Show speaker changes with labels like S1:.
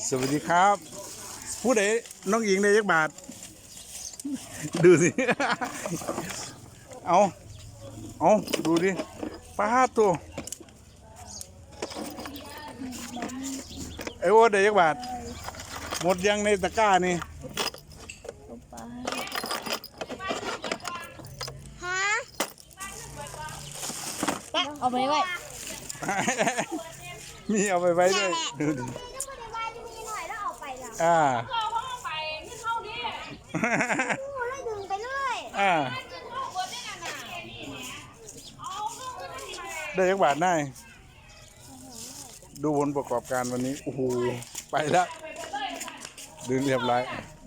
S1: สวัสดีครับผู้ใดน้องหญิงได้ยักบาทดูสิ เอาดูดิป้าตัวไอ้โอ้ได้ยักบาทหมดยังในตะกร้านี่
S2: ฮะเอาไปไว้
S1: มีเอาไปไว้ด้วยดูดิ
S2: ก็พอได้ไว้มีหน่อยแล้วเอาไปแล้ว
S1: อ่า
S3: เข้าไปนี่เข้าดิ
S2: โอ้เลยดึงไปเลย
S1: อ่า
S3: เข้าเบิร์ดได้น่ะเอาเข้าขึ้นมาดิ
S1: ได้ยักบาทได้ดูผลประกอบการวันนี้โอ้โหไปแล้วดึงเรียบร้อย